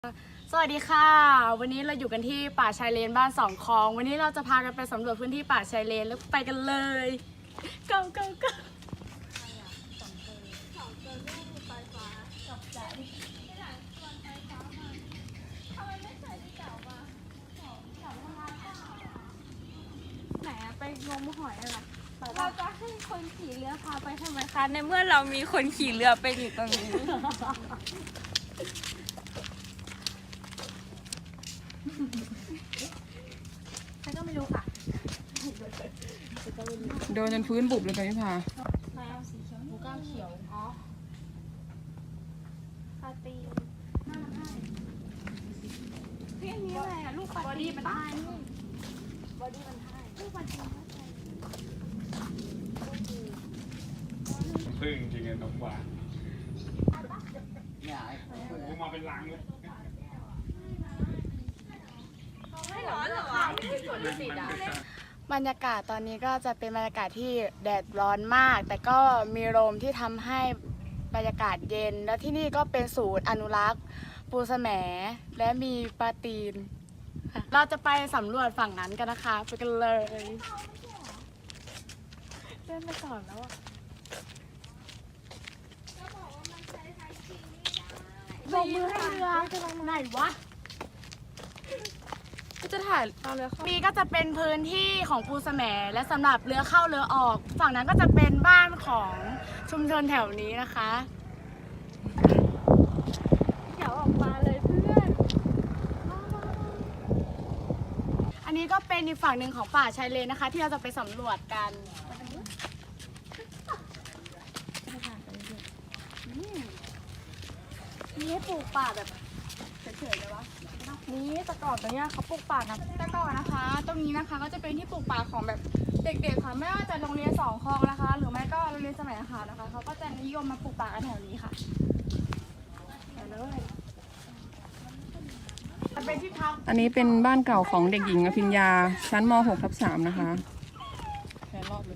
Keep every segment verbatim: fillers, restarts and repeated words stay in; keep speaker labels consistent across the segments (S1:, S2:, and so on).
S1: สวัสดีค่ะวันนี้เราอยู่กันที่ป่าชายเลนบ้านสองคลองวันนี้เราจะพากันไปสำรวจพื้นที่ป่าชายเลนแล้วไปกันเลย go go go
S2: ไหนอะไปงมหอยอะไรเราจะให้คนขี่เรือพาไปทำไมคะในเมื่อเรามีคนขี่เรือไปอยู่ตรงนี้
S1: ใครก็ไม่รู้ค่ะ
S3: โดนจนพื้นบุบเลยตอนนี้พา
S2: แมวสีเขียวหมูก้างเขียวอ๋อปลาตีเรื่องนี้อะไรอะลูกปลาตีมันตายนี่บอดี้มันตายลูกปลาตีมันตาย
S4: พึ่งจริงๆน้องหวานกูมาเป็นลังเลย
S2: ไม่ร้อนเหรอวะ
S1: บรรยากาศตอนนี้ก็จะเป็นบรรยากาศที่แดดร้อนมาก แต่ก็มีลมที่ทำให้บรรยากาศเย็น แล้วที่นี่ก็เป็นศูนย์อนุรักษ์ปูแสมและมีปลาตีนค่ะเราจะไปสำรวจฝั่งนั้นกันนะคะไปกันเลยเล่นไปก่อนแล้วอะลงมือให้เรือไหนวะจะถ่ายเอาเรือเข้ามีก็จะเป็นพื้นที่ของปูแสมและสำหรับเรือเข้าเรือออก ฝั่งนั้นก็จะเป็นบ้านของชุมชนแถวนี้นะคะ
S2: เดี๋ยวออกมาเลยเพื่อน
S1: อันนี้ก็เป็นอีกฝั่งหนึ่งของป่าชายเลนนะคะ ที่เราจะไปสำรวจกันนี่ให้ปลูกป่าแบบเฉยๆเลยวะนี่แต่ก่อนตรงเนี้ยเขาปลูกป่านะแต่ก่อนนะคะ ตรงนี้นะคะก็จะเป็นที่ปลูกป่าของแบบเด็กๆค่ะไม่ว่าจะโรงเรียนสองคลองนะคะ หรือไม่ก็โรงเรียนสมัยอาคารนะคะเขาก็จะนิยมมาปลูกป่ากันแถวนี้ค่ะไปเลยจะเป็นที่พัก
S3: อันนี้เป็นบ้านเก่าของเด็กหญิงอภิญญาชั้นม หกทับสามนะคะแค่รอบเลย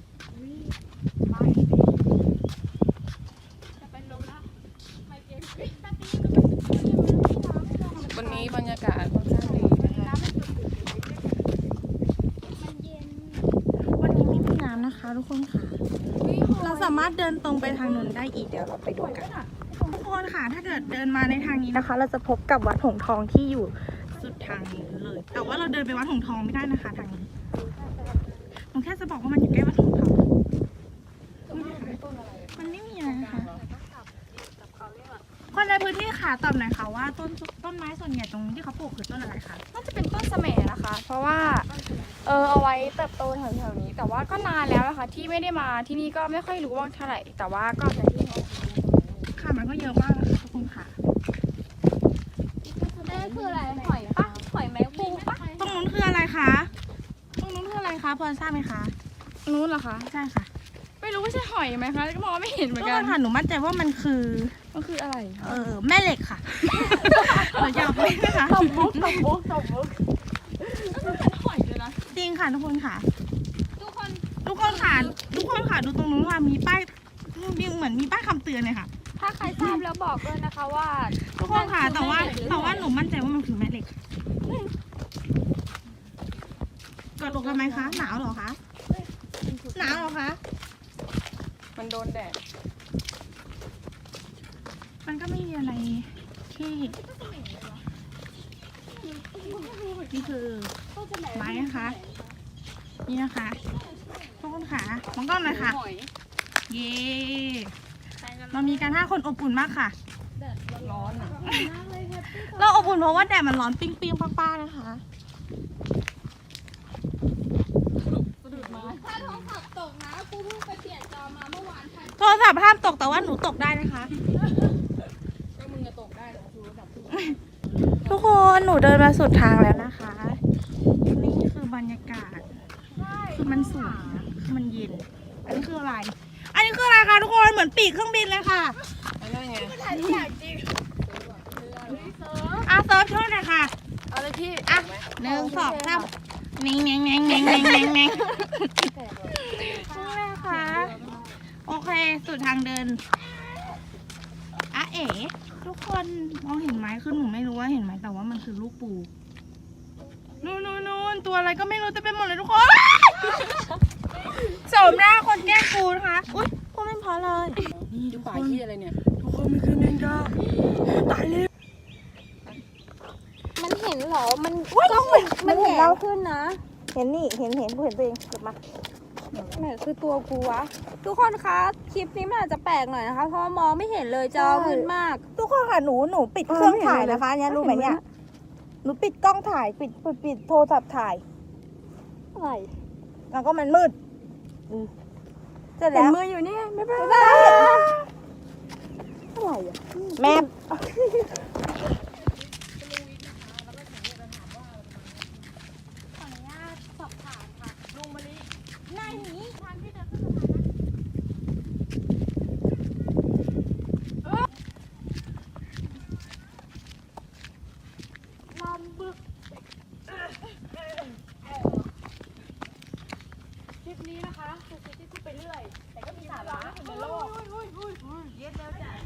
S3: วันนี้บรรยากาศค่อนข้างดีนะคะ
S5: วันนี้ไม่มีน้ำนะคะทุกคนค่ะ เราสามารถเดินตรงไปทางนู้นได้อีกเดี๋ยวเราไปดูกันทุกคนค่ะถ้าเกิดเดินมาในทางนี้นะคะ เราจะพบกับวัดหงส์ทองที่อยู่สุดทางนี้เลย แต่ว่าเราเดินไปวัดหงส์ทองไม่ได้นะคะทางนี้ผมแค่จะบอกว่ามันอยู่ใกล้วัดหงส์ทองมันไม่มีอะไรนะคะคนในพื้นที่ค่ะตอบหน่อยค่ะว่าต้นต้นไม้ส่วนใหญ่ตรงนี้ที่เขาปลูกคือต้นอะไรคะ
S2: น่าจะเป็นต้นแสมนะคะ เพราะว่าเออเอาไว้เติบโตแถวๆนี้ แต่ว่าก็นานแล้วนะคะที่ไม่ได้มาที่นี่ก็ไม่ค่อยรู้ว่าเท่าไหร่แต่ว่าก็จะที่
S5: ค่ะมันก็เยอะมากนะคะทุกคนค่ะ
S2: นั่นคืออะไรหอยปะหอยแมงปูปะ
S5: ตรงนู้นคืออะไรคะตรงนู้นคืออะไรคะพอทราบไหมคะ
S1: นู้นเหรอคะ
S5: ใช่ค่ะ
S1: ไม่รู้ว่าใช่หอยไหมคะก็มองไม่เห็นเหมือน
S5: ทุก
S1: กั
S5: คน นค่ะหนูมั่นใจว่ามันคือ
S1: มันคืออะไร
S5: เออแม่เหล็กค่ะ หนูอยากเป็นนะคะ
S1: ตบมุกตบมุกตบมุกเป็นหอยเลยนะ
S5: จริงค่ะทุกคนค่ะ
S2: ทุกคน
S5: ทุกคนค่ะทุกคนค่ะดูตรงนู้นค่ะมีป้ายมีเหมือนมีป้ายคำเตือนเลยค่ะ
S2: ถ้าใครทราบแล้วบอกด้วยนะคะว่า
S5: ทุกคนค่ะแต่ว่าแต่ว่าหนูมั่นใจว่ามันคือแม่เหล็กกดลงทำไมคะหนาวเหรอคะหนาวเหรอคะ
S3: มันโดนแดด
S5: มันก็ไม่มีอะไรที่นี่คือไม้นะคะ นี่นะคะทุกคนค่ะมองกล้องหน่อยค่ะ
S1: หอย
S5: เย้เรามีการห้าคนอบอุ่นมากค่ะ
S3: ร้อนอ่ะ
S5: เราอบอุ่นเพราะว่าแดดมันร้อนปิ้งปิ้งๆป้าๆนะคะ
S2: ถ้าโทรศัพท์ตกนะกูเพิ่งไปเปลี่ยนจอมาเมื่อวานค่ะ
S5: โทรศัพท์ห้ามตกแต่ว่าหนูตกได้นะคะ
S3: ก็มึงจะตกได้เหรอชูระดับ
S5: ทุกคนหนูเดินมาสุดทางแล้วนะคะ นี่คือบรรยากาศคือมันสวยนะคือมันเย็น อันนี้คืออะไร อันนี้คืออะไรคะทุกคนเหมือนปีกเครื่องบินเลยค่ะ
S3: อะไรไง
S1: ถ่ายทุกอย่างจริง
S5: อ่ะเซิร์ฟช่วยหน่อยค่ะ
S1: เอาเลยพี่
S5: อ่ะหนึ่งสองสามเน่งเน่งเน่งเน่งเน่งเน่งเน่งนี่นะคะโอเคสุดทางเดินอ่ะเอ๋ทุกคนมองเห็นไหมคือหนูไม่รู้ว่าเห็นไหมแต่ว่ามันคือลูกปูนู่นนู่นนู่นตัวอะไรก็ไม่รู้เต็มไปหมดเลยทุกคนโสมหน้าคนแกล้งปูนะคะอุ้ยพูดไม่พอเลย
S3: นี่ดูป่าที่อะไรเนี่ย
S5: ทุกคนมันคือแมงดาตายเลย
S6: มันเห็นเหรอ มันกล้องมันมันเห็นเราขึ้นนะ
S5: เห็นนี่เห็นเห็นกูเห็นตัวเองเกิดมา
S6: ไหนคือตัวกูวะ ทุกคนคะ คลิปนี้มันอาจจะแปลกหน่อยนะคะ เพราะว่ามองไม่เห็นเลยจอมืดมาก
S5: ทุกคนค่ะหนูหนูปิดเครื่องถ่ายนะคะเนี่ยรู้ไหมเนี่ยหนูปิดกล้องถ่ายปิดปิดปิดโทรศัพท์ถ่าย
S6: อะไร
S5: แล้วก็มันมืดอืมเสร็จ
S6: เห็
S5: แล้
S6: น
S5: ว
S6: มืออยู่นี่ไม่เป็นไร
S5: อะไรอ่ะแม่คลิปนี้นะคะคือคลิปที่พูดไปเรื่อยแต่ก็มีสาระในโลกเย็ดแล้วจ้ะ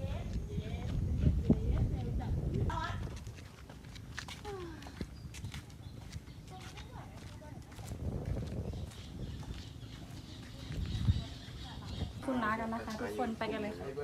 S5: คุณน้ากันนะคะทุกคนไปกันเลยค่ะ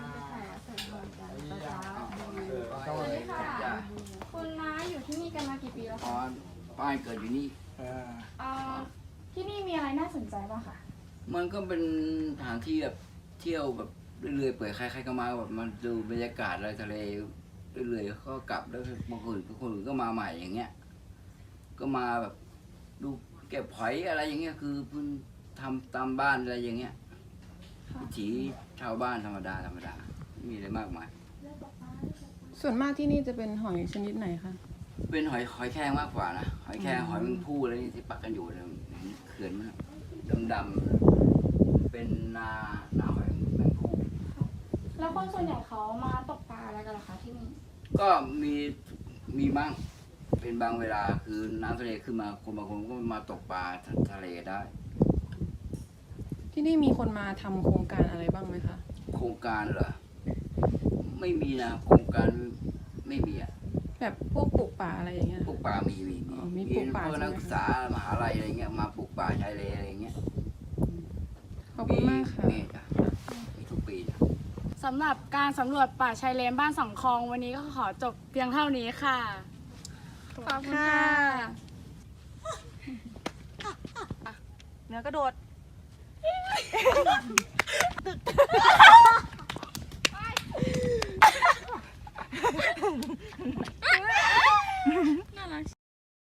S5: คุณน้าอยู่ที่นี่กันมากี่ปีแล้ว
S7: อ๋
S5: คะ
S7: อบ้านเกิดอยู่นี่
S5: เอ่อที่นี่มีอะไรน่าสนใจบ้างคะ
S7: มันก็เป็นสถานที่แบบเที่ยวแบบเรื่อยๆเปื่อยใครๆก็มาแบบมาดูบรรยากาศอะไรทะเลเรื่อยๆก็กลับแล้วบางคนบางคนก็มาใหม่อย่างเงี้ย ก็มาแบบดูเก็บหอยอะไรอย่างเงี้ยคือเพิ่งทำตามบ้านอะไรอย่างเงี้ยวิถีชาวบ้านธรรมดาธรรมดาไม่มีอะไรมากมาย
S3: ส่วนมากที่นี่จะเป็นหอยชนิดไหนคะ
S7: เป็นหอยหอยแครงมากกว่านะหอยแครงหอยแมงผู้อะไรนี่ที่ปักกันอยู่เนี่ยเขื่อนมันดำๆเป็นนานาหอยแมงผู้
S5: แล้วคนส่วนใหญ่เขามาตกปลาอะไรกันเหรอคะที่นี่
S7: ก็มีมีบ้างเป็นบางเวลาคือน้ำทะเลขึ้นมาคนบางคนก็มาตกปลาทะเลได้
S3: ที่นี่มีคนมาทำโครงการอะไรบ้างไหมคะ
S7: โครงการเหรอไม่มีนะโครงการไม่มีอ่ะ
S3: แบบพวกปลูกป่าอะไรอย่างเงี้ย
S7: ปลูกป่ามีมี
S3: อ๋
S7: มี
S3: อมีปลูกป่า
S7: พวกนักศึกษามหาลัยอะไรเงี้ยมาปลูกป่าชายเลนอะไรเงี้ย
S3: ขอบคุณมากค่ะ
S7: มีจ้ะมีทุกปีนะ
S1: สำหรับการสำรวจป่าชายเลนบ้านสองคลองวันนี้ก็ขอจบเพียงเท่านี้ค่ะ
S5: ขอบคุณค่ะเนื้อกระโดดตึก